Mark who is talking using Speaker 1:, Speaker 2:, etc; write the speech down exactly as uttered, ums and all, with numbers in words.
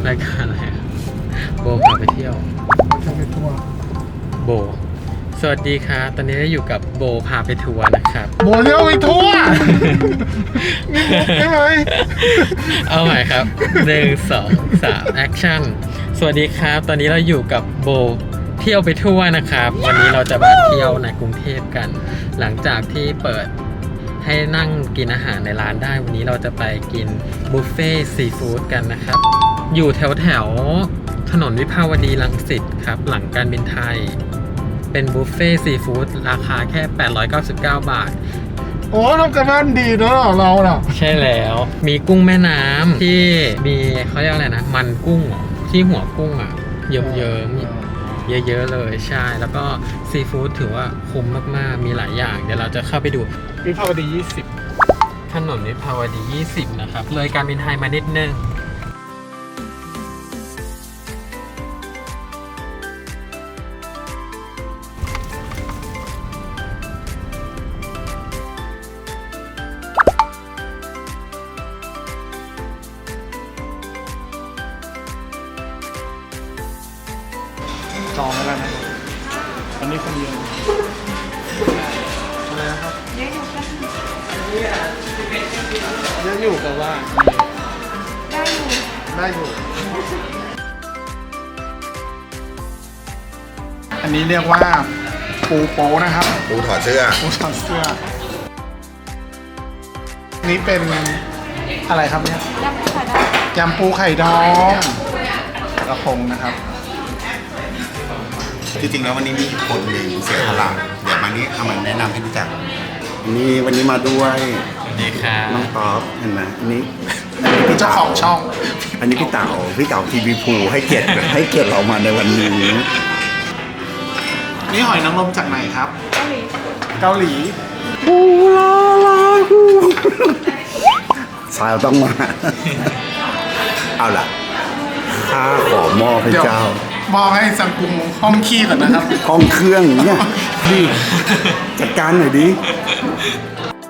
Speaker 1: รายการอะไรอะโบพาไปเที่ยว
Speaker 2: จะไปทัวร์
Speaker 1: โบ สวัสดีครับตอนนี้เราอยู่กับโบพาไปทัวร์นะครับ
Speaker 2: โบเที่ยวไปทัวร์นี่มุกใช่ไหม
Speaker 1: เอาใหม่ครับหนึ่งสองสามแอคชั่นสวัสดีครับ ตอนนี้เราอยู่กับโบเที่ยวไปทั่วนะครับ วันนี้เราจะมาเที่ยวในกรุงเทพกัน หลังจากที่เปิดให้นั่งกินอาหารในร้านได้ วันนี้เราจะไปกินบุฟเฟ่ซีฟู้ดกันนะครับ อยู่แถวแถวถนนวิภาวดีรังสิตครับ หลังการบินไทย เป็นบุฟเฟ่ซีฟู้ดราคาแค่ แปดร้อยเก้าสิบเก้า บาท
Speaker 2: โอ้ทำกันบ้านดีเนอะเราน่ะ
Speaker 1: ใช่แล้ว มีกุ้งแม่น้ำที่มีเขาเรียกอะไรนะ มันกุ้งเหรอที่หัวกุ้งอ่ะ เยิ้มเยิ้มๆเยอะๆเลยใช่ แล้วก็ซีฟู้ดถือว่าคุ้มมากๆ มีหลายอย่าง เดี๋ยวเราจะเข้าไปดู
Speaker 2: วิภาวดียี่สิบ
Speaker 1: ถนนวิภาวดี ยี่สิบ นะครับ เลยการบินไทยมานิดนึง
Speaker 2: จองแล้วนะอันนี้คนเดียวอะไรนะครับเยอะอยู่กันเยอะอยู่กับว่าได้อยู่ได้อยู่อันนี้เรียกว่าปูโป้นะครับ
Speaker 3: ปูถอดเสื้อ
Speaker 2: ปูถอดเสื้อนี่เป็นอะไรครับเนี่ยยำปูไข่ดองกระพงนะครับ
Speaker 3: จริงๆแล้ววันนี้มีคนหนึ่งเสียสละเดี๋ยวมานี้เอามาแนะนำให้รู้จักนี่วันนี้มาด้วย
Speaker 1: สวัสดีครับ
Speaker 3: น้องต๊อบเห็นไหมอันนี้
Speaker 2: เป็นเจ้าของช่อง
Speaker 3: อันนี้พี่เต๋าพี่เต๋าทีวีภูให้เกียรติให้เกียรติเรามาในวันนี้
Speaker 2: นี่หอยนางรมจากไหนครับ เกาหลี เกาหลี
Speaker 3: ปูลาลาสายต้องมา เอาล่ะข้าขอมอบให้เจ้า
Speaker 2: มอบให้สังกุงห้องขี้ก่อนนะครับ
Speaker 3: ห้องเครื่องเนี่ยดิจัดการหน่อยดิ